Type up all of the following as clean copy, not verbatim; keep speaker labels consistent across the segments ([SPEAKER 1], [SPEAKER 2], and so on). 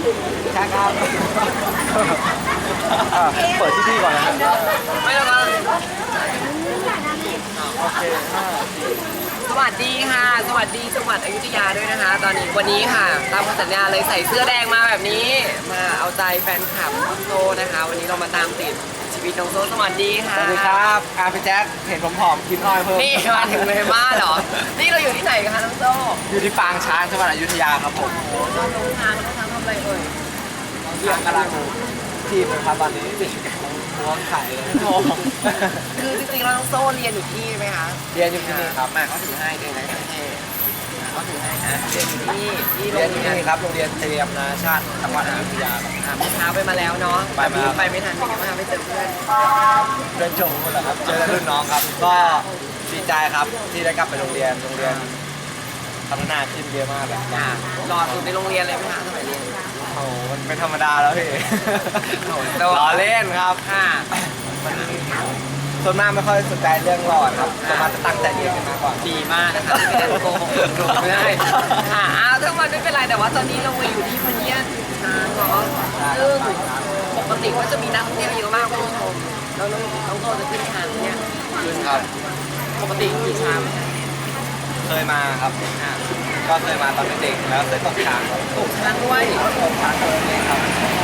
[SPEAKER 1] ใช่ครับเปิดที่พี่ก่อนนะครับ
[SPEAKER 2] ไม่แล้วก็
[SPEAKER 1] โอเค
[SPEAKER 2] สวัสดีค่ะสวัสดีจังหวัดอยุธยาด้วยนะคะ ตอนนี้วันนี้ค่ะตามสัญญาเลยใส่เสื้อแดงมาแบบนี้มาเอาใจแฟนคลับน้องโซนะคะ วันนี้เรามาตามติดชีวิตน้องโซสวัสดีค่ะ
[SPEAKER 1] สวัสดีครับพี่แจ๊คเห็นผมผอมกินอ้อยเพิ่ม
[SPEAKER 2] นี่มาถึงเลยบ้านเหรอนี่เราอยู่ที่ไหนกันคะน้องโซ
[SPEAKER 1] อยู่ที่ปางช้างจังหวัดอยุธยาครับผม
[SPEAKER 2] โอ้ตอนน้องช้างทำอะไรเอ่ย
[SPEAKER 1] เยี่ยมกำลังทีมนะครับตอนนี้หัวไข่เลย
[SPEAKER 2] คือจริงๆเราน้องโซเรียนอยู่ที่ไหมคะ
[SPEAKER 1] เรียนอยู่ที่นี่ครับ
[SPEAKER 2] มาเขาถือให้ด้วยนะเขาถือให้นะเรียนอยู่ที่นี่ที่โร
[SPEAKER 1] เรียน
[SPEAKER 2] ง
[SPEAKER 1] อยู่
[SPEAKER 2] เรียน
[SPEAKER 1] นี่ครับโรงเรียนเตรียมนานาชาติจังหวัดอยุธยาครับ
[SPEAKER 2] เมื่อเช้าไปมาแล้วเนาะไปไม่ทันเป็นไงบ้างไปเจอเพื่อน
[SPEAKER 1] เดินชมกันเหรอครับเจอรุ่นน้องครับก็ดีใจครับที่ได้กลับไปโรงเรียนพัฒนาขึ้นเยอะมากเลย
[SPEAKER 2] รอสุดในโรงเรียนเลยไหมคะสมัยเรียน
[SPEAKER 1] โอ้โหมันเป็นธรรมดาแล้วพี่ล้อเล่นครับมันส่วนมากไม่ค่อยสนใจเรื่องหลอดครับส่วนมากจะตั้งใจเรียนกันมากกว่า
[SPEAKER 2] ดีมากนะคะที่ไม่ได้โกหกไม่ได้ทั้งวันไม่เป็นไรแต่ว่าตอนนี้เราอยู่ที่พเนียดช้างเนาะซึ่งปกติก็จะมีนักท่องเที่ยวเยอะมากคุณผู้ชมแล้วน้องโตจะขึ้นช้างเนี่ย
[SPEAKER 1] ขึ้นครับ
[SPEAKER 2] ปกติขี่ช้าง
[SPEAKER 1] เคยมาครับก็เคยมาตอนเป็นเด็กแล้วเคยตกช้างครับ
[SPEAKER 2] ตกช้างด้วย
[SPEAKER 1] ตกช้างเลยครับ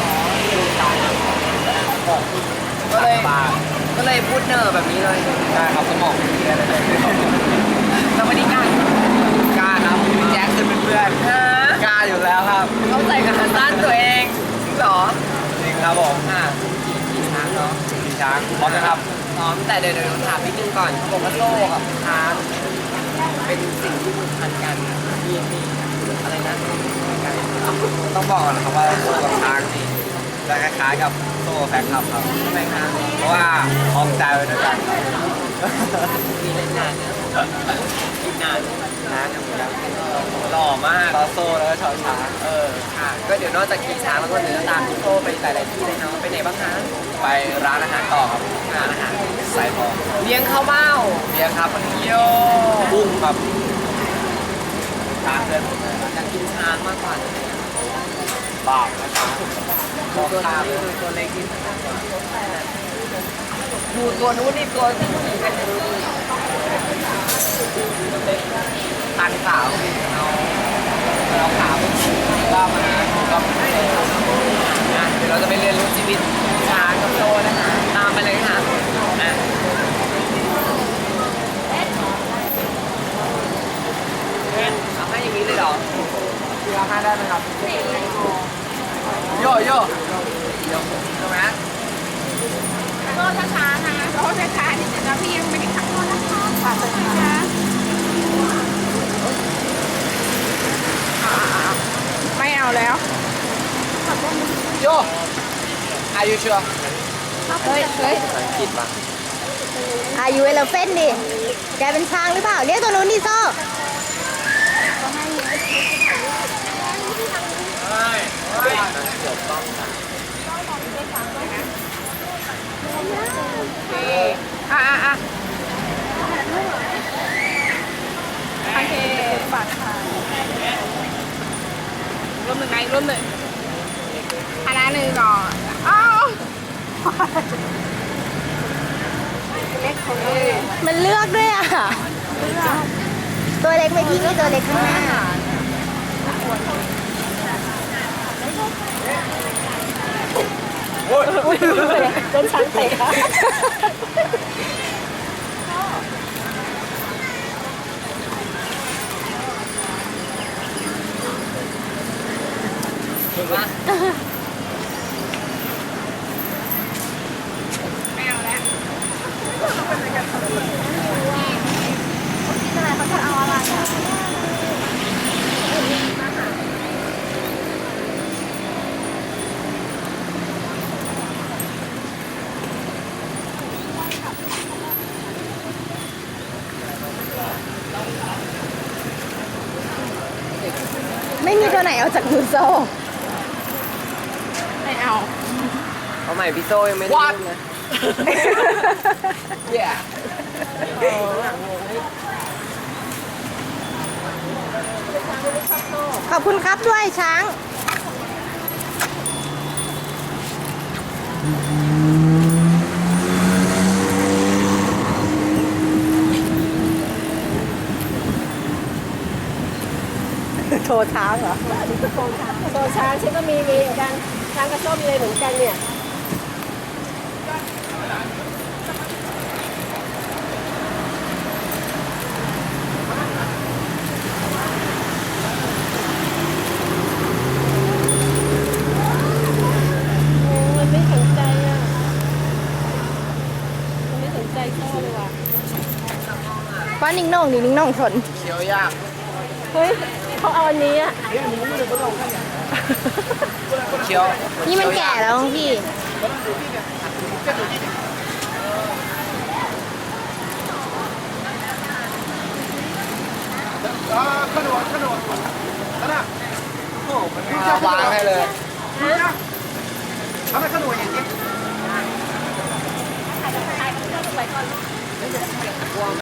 [SPEAKER 2] ก็เลยพูดเนอแบบนี้เลย
[SPEAKER 1] ใช่ครับสมองเสียเลย
[SPEAKER 2] เราไม่ได้กล้าก
[SPEAKER 1] ล้าครับพี่แจ็คขึ้นเป็นเพื่อน
[SPEAKER 2] ฮะ
[SPEAKER 1] กล้าอยู่แล้วครับ
[SPEAKER 2] เข้าใจกับสั้นตัวเองจริงเหรอ
[SPEAKER 1] จริงครับผม
[SPEAKER 2] ขี่ช้างเนาะ
[SPEAKER 1] ขี่ช้างพร้อมนะครับ
[SPEAKER 2] พร้อมแต่เดี๋ยวถามนิดนึงก่อนเขาบอกว่าโซ่กับช้างเป็นสิ่งที่ผูกพันกันมีอะไรนะกัน
[SPEAKER 1] ต้องบอกก่อนนะครับว่าโซ่กับช้างนี่จะคล้ายๆกับโซ่แฟนคลับครับ
[SPEAKER 2] ทำไมคะ
[SPEAKER 1] เพราะว่าคล้องใจไว้ด้วยกันครับ
[SPEAKER 2] มีเล่นนานเนี่ยกินนาน
[SPEAKER 1] ช้างอย่างเงี้ย
[SPEAKER 2] หล่อมาก
[SPEAKER 1] ต่อโซ่แล้วก็ชอช้าง
[SPEAKER 2] ค่ะก็เดี๋ยวนอกจากขี่ช้างแล้วก็เดี๋ยวจะตามพี่โซ่ไปหลายๆที่เลยเนาะไปไหนบ้างคะ
[SPEAKER 1] ไปร้านอาหารต่อครับ
[SPEAKER 2] ร้านอาหาร
[SPEAKER 1] สายทอง
[SPEAKER 2] เลี้ยงข้าวเม่า
[SPEAKER 1] เลี้ยงครับ
[SPEAKER 2] โย
[SPEAKER 1] กุ้งครับช้างเดิน
[SPEAKER 2] อยากกินช้างมากกว่า
[SPEAKER 1] บาปนะครับ
[SPEAKER 2] ตัวนี้ดูตัวเล็กนิดดูตัวนู้นนี่ตัวที่ขี่กันอยู่ตันสาวเราขาวว่ามาก็เดี๋ยวเราจะไปเรียนรู้ชีวิตช้างกับโซ่นะคะตามไปเลยค่ะเอาให้อย่างนี้เลยเหรอ
[SPEAKER 1] เรือห้าได้ไหมครับโยโย่
[SPEAKER 2] ใช่ไหม
[SPEAKER 3] โทษช้าๆนะโทษช้าๆนิดนึงนะพี่ยังไม่ได้ขับโทษนะคะฝากเลยนะคะไม่เอาแล้วขับรถ
[SPEAKER 1] โยอายุชัว
[SPEAKER 3] เฮ้ย
[SPEAKER 1] คิดปะ
[SPEAKER 3] อายุเอลเฟนดิแกเป็นช้างหรือเปล่าเรียกตัวนู้นดิโซ่โอเคบัตรค่ะร่วมหนึ่งไงร่วมหนึ่งคณะหนึ่งก่อนอ้าวมันเลือกด้วยอ่ะตัวเล็กไม่พี่นี่ตัวเล็กข้างหน้า
[SPEAKER 1] โอ้ย
[SPEAKER 3] โดนช้างเตะไม่เอาแล้วเขาจะเอาอะไรไม่มีตัวไหนเอาจากมือโซ่ไม่เอา
[SPEAKER 2] เอาใหม่พี่โซ่ยังไม่ได้เล่นนะเย้
[SPEAKER 3] ขอบคุณครับด้วยช้าง
[SPEAKER 4] โชว์ช้างเหรอโชว์ช้างฉันก็มีเหมือนกันช้างกระส้มเลยเหมือนกันเนี่ยโอ้มันไม่สนใจอ่ะมันไม่สนใจพ่อเลยว่ะว่านิ่งน่องดินิ่งน่องสน
[SPEAKER 1] เคี้ยวยาก
[SPEAKER 4] เฮ้ยเขาเอาอันนี้อ่ะ
[SPEAKER 1] เคี้ยว
[SPEAKER 4] นี่มันแก่แล้วพี่
[SPEAKER 1] วางให้เลย
[SPEAKER 3] ถ่ายรูปไปก่อน